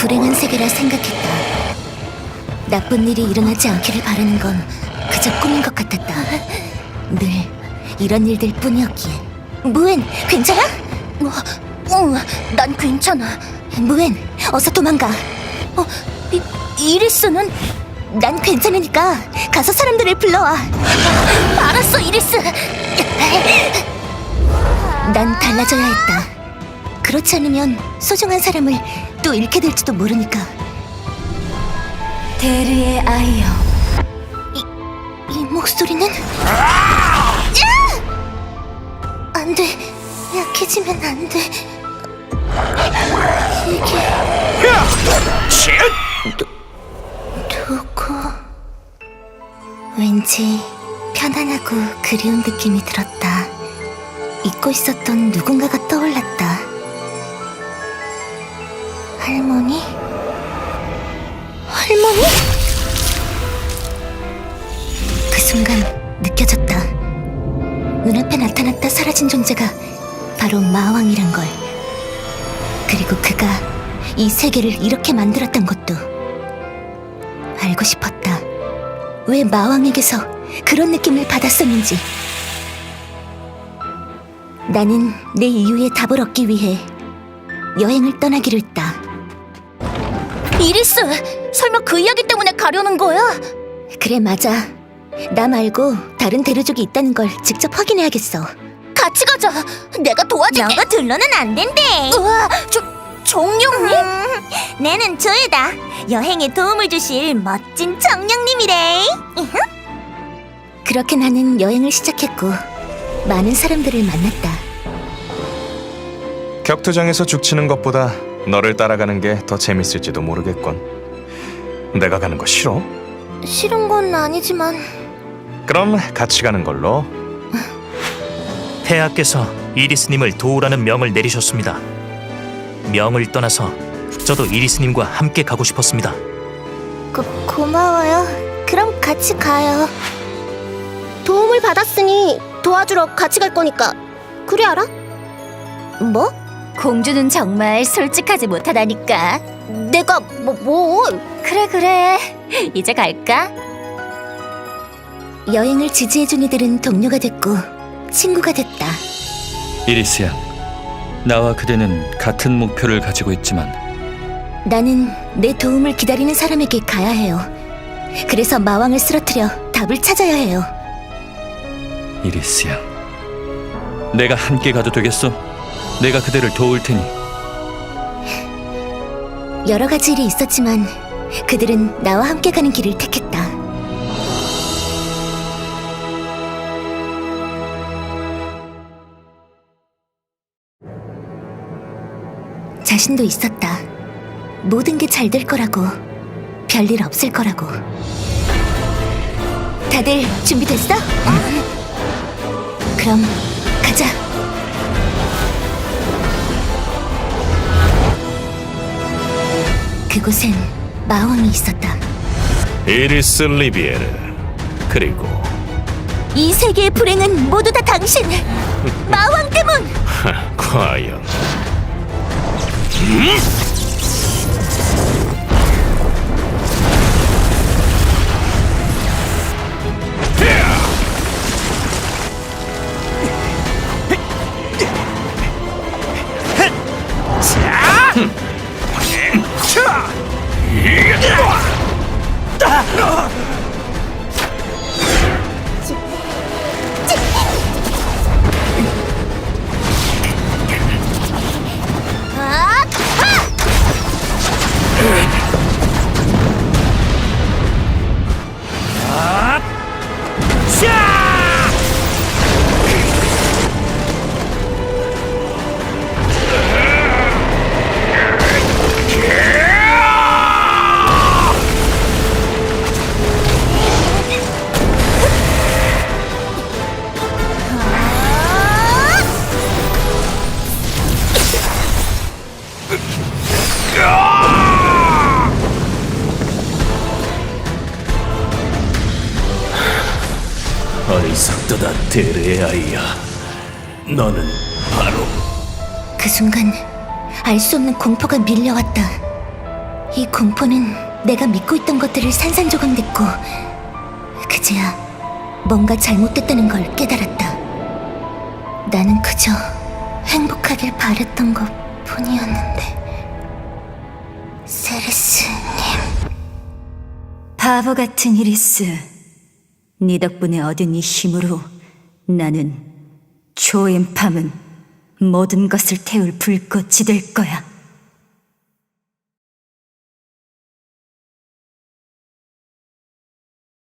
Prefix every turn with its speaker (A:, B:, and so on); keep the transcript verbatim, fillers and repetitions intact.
A: 불행한 세계라 생각했다. 나쁜 일이 일어나지 않기를 바라는 건 그저 꿈인 것 같았다. 늘 이런 일들 뿐이었기에. 무엔, 괜찮아? 어, 어, 난 괜찮아. 무엔, 어서 도망가. 어, 이, 이리스는? 난 괜찮으니까 가서 사람들을 불러와. 알았어, 이리스. 난 달라져야 했다. 그렇지 않으면 소중한 사람을 또 잃게 될지도 모르니까. 데르의 아이여. 이, 이 목소리는? 안 돼. 약해지면 안 돼. 이게... 누, 누구... 왠지 편안하고 그리운 느낌이 들었다. 잊고 있었던 누군가가 떠올랐다. 할머니? 할머니? 그 순간 느껴졌다. 눈앞에 나타났다 사라진 존재가 바로 마왕이란 걸. 그리고 그가 이 세계를 이렇게 만들었던 것도. 알고 싶었다. 왜 마왕에게서 그런 느낌을 받았었는지. 나는 내 이유의 답을 얻기 위해 여행을 떠나기로 했다. 이리스! 설마 그 이야기 때문에 가려는 거야? 그래, 맞아. 나 말고 다른 대류족이 있다는 걸 직접 확인해야겠어. 같이 가자. 내가 도와줄게. 너가 둘러는 안 된대. 우와, 저, 정령님? 음, 내는 조에다. 여행에 도움을 주실 멋진 정령님이래. 그렇게 나는 여행을 시작했고 많은 사람들을 만났다.
B: 격투장에서 죽치는 것보다 너를 따라가는 게 더 재밌을지도 모르겠군. 내가 가는 거 싫어?
A: 싫은 건 아니지만.
B: 그럼 같이 가는 걸로.
C: 폐하께서 이리스님을 도우라는 명을 내리셨습니다. 명을 떠나서 저도 이리스님과 함께 가고 싶었습니다.
A: 고, 고마워요. 그럼 같이 가요. 도움을 받았으니 도와주러 같이 갈 거니까 그래 알아? 뭐? 공주는 정말 솔직하지 못하다니까. 내가 뭐 뭐? 그래 그래. 이제 갈까? 여행을 지지해준 이들은 동료가 됐고 친구가 됐다.
D: 이리스야, 나와 그대는 같은 목표를 가지고 있지만
A: 나는 내 도움을 기다리는 사람에게 가야 해요. 그래서 마왕을 쓰러뜨려 답을 찾아야 해요.
D: 이리스야, 내가 함께 가도 되겠어? 내가 그대를 도울 테니.
A: 여러 가지 일이 있었지만 그들은 나와 함께 가는 길을 택했다. 자신도 있었다. 모든 게 잘 될 거라고, 별일 없을 거라고. 다들 준비됐어? 응. 그럼 가자. 그곳엔 마왕이 있었다.
B: 이리스 리비에르. 그리고
A: 이 세계의 불행은 모두 다 당신! 마왕 때문!
B: 하, 과연
C: 어리석도다 데르의 아이야. 너는 바로...
A: 그 순간 알 수 없는 공포가 밀려왔다. 이 공포는 내가 믿고 있던 것들을 산산조각냈고 그제야 뭔가 잘못됐다는 걸 깨달았다. 나는 그저 행복하길 바랬던 것 뿐이었는데. 세레스님.
E: 바보 같은 이리스. 네 덕분에 얻은 이 힘으로 나는 초엠팜은 모든 것을 태울 불꽃이 될 거야.